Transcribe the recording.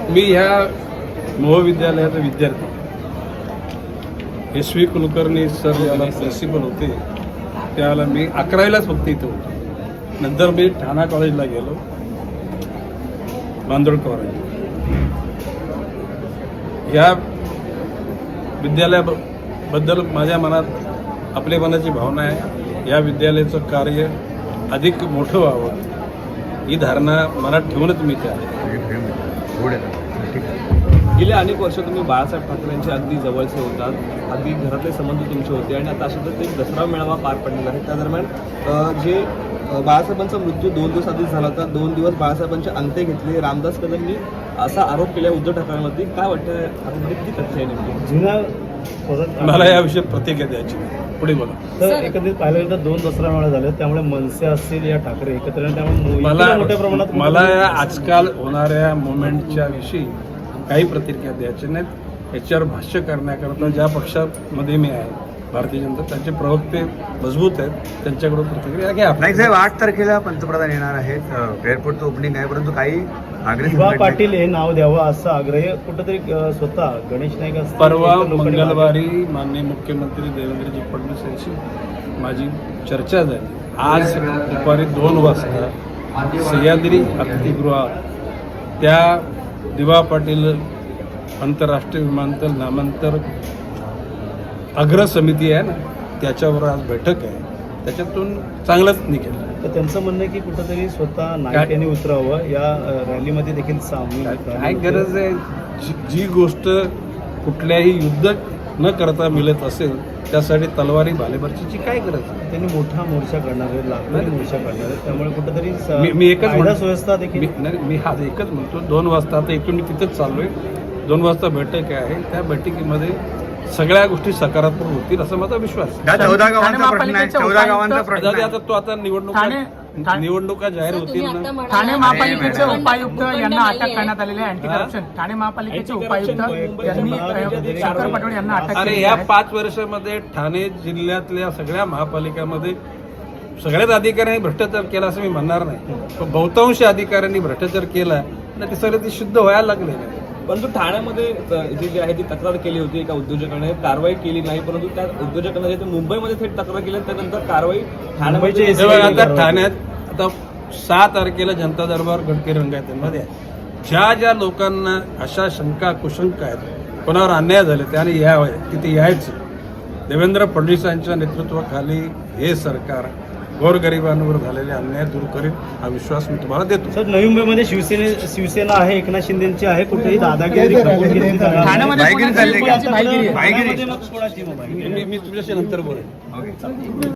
मी ह्या महाविद्यालयाचा विद्यार्थी SV कुलकर्णी सर याला प्रिन्सिपल होते त्यावेळेला मी 11वीलाच फक्त इथं होतो. नंतर मी ठाणा कॉलेजला गेलो बांदोडकर. या विद्यालयाबद्दल माझ्या मनात आपलेपणाची भावना आहे. या विद्यालयाचं कार्य अधिक मोठं व्हावं ही धारणा मनात ठेवूनच मी त्या गेल्या अनेक वर्ष तुम्ही बाळासाहेब ठाकरेंचे अगदी जवळचे होतात, अगदी घरातले संबंध तुमचे होते आणि आता अशातच एक दसरा मेळावा पार पडलेला आहे. त्या दरम्यान जे बाळासाहेबांचा मृत्यू 2 दिवस आधीच झाला होता, 2 दिवस बाळासाहेबांचे अंत्य घेतले. रामदास कदमनी असा आरोप केला उद्धव ठाकरेंवरती. काय वाटतं आता किती तथ्य आहे नेमकी? मला याविषयी प्रतिक्रिया द्यायची नाही. पुढे बोला. तर एकंदरीत पाहिलं तर 2 दसरा मेळा झाले, त्यामुळे मनसे असतील या ठाकरे एकत्र, त्यामुळे मोठ्या प्रमाणात मला या आजकाल होणाऱ्या मुवमेंटच्या विषयी काही प्रतिक्रिया द्यायची नाहीत. याच्यावर भाष्य करण्याकरता ज्या पक्षामध्ये मी आहे भारतीय जनता त्यांचे प्रवक्ते मजबूत आहेत, त्यांच्याकडून प्रतिक्रिया घ्या. नाही साहेब, 8 तारखेला पंतप्रधान येणार आहेत, एअरपोर्टचं ओपनिंग आहे, परंतु काही दिवा पाटील हे नाव द्यावं असा आग्रह कुठंतरी स्वतः गणेश नाईक असतील, परवा मंगळवारी माननीय मुख्यमंत्री देवेंद्रजी फडणवीस यांची माझी चर्चा झाली. आज दुपारी 2 वाजता सह्याद्री अतिथीगृहात त्या दिवा पाटील आंतरराष्ट्रीय विमानतळ नामांतर अग्र समिती आहे ना, त्याच्यावर आज बैठक आहे. त्याच्यातून चांगलंच निघेल. तर त्यांचं म्हणणं आहे की कुठंतरी स्वतः नाईक यांनी उतरावं, या रॅलीमध्ये देखील सामील. काय गरज आहे? जी गोष्ट कुठल्याही युद्ध न करता मिळत असेल त्यासाठी तलवारी भालेबरची काय गरज आहे? त्यांनी मोठा मोर्चा करणार आहे, लाखोनी मोर्चा करणार आहे, त्यामुळे कुठंतरी मी एकच कायदा सुव्यवस्था देखील मी हा एकच म्हणतो. 2 वाजता आता इथून मी तिथंच चाललोय. 2 वाजता बैठक आहे. त्या बैठकीमध्ये सगळ्या गोष्टी सकारात्मक होतील असा माझा विश्वास आहे. 14 गावांचा प्रश्न आहे, 14 गावांचा प्रश्न आहे. आता तो आता निवडणुका जाहीर होतील ना. ठाणे महापालिकेचे उपायुक्त यांना अटक करण्यात आलेले आहे. अँटी करप्शन ठाणे महापालिकेचे उपायुक्त यांनी शंकर पटोळे यांना अटक अरे केली या आहे. 5 वर्षामध्ये ठाणे जिल्ह्यातल्या सगळ्या महापालिकामध्ये सगळ्याच अधिकाऱ्यांनी भ्रष्टाचार केला असं मी म्हणणार नाही, पण बहुतांश अधिकाऱ्यांनी भ्रष्टाचार केला ना, ते सगळे ते सिद्ध व्हायला लागले. परंतु ठाण्यामध्ये जी आहे ती तक्रार केली होती एका उद्योजकाने, कारवाई केली नाही. परंतु त्या उद्योजकाने जे मुंबईमध्ये थेट तक्रार केली त्यानंतर कारवाई ठाण्यामध्ये. आता ठाण्यात आता 6 तारखेला जनता दरबार गडकरी रंगायतमध्ये ज्या लोकांना अशा शंका कुशंका आहेत, कोणावर अन्याय झाले त्याने तिथे यायचं. देवेंद्र फडणवीसांच्या नेतृत्वाखाली हे सरकार गोरगरिबांवर झालेले अन्याय दूर करील हा विश्वास मी तुम्हाला देतो. सर, नवी मुंबईमध्ये शिवसेना आहे, एकनाथ शिंदेची आहे, कुठेही दादागिरी ठाण्यामध्ये कोणाची बाईगिरी आहे? मी तुझ्याशी नंतर बोलेन.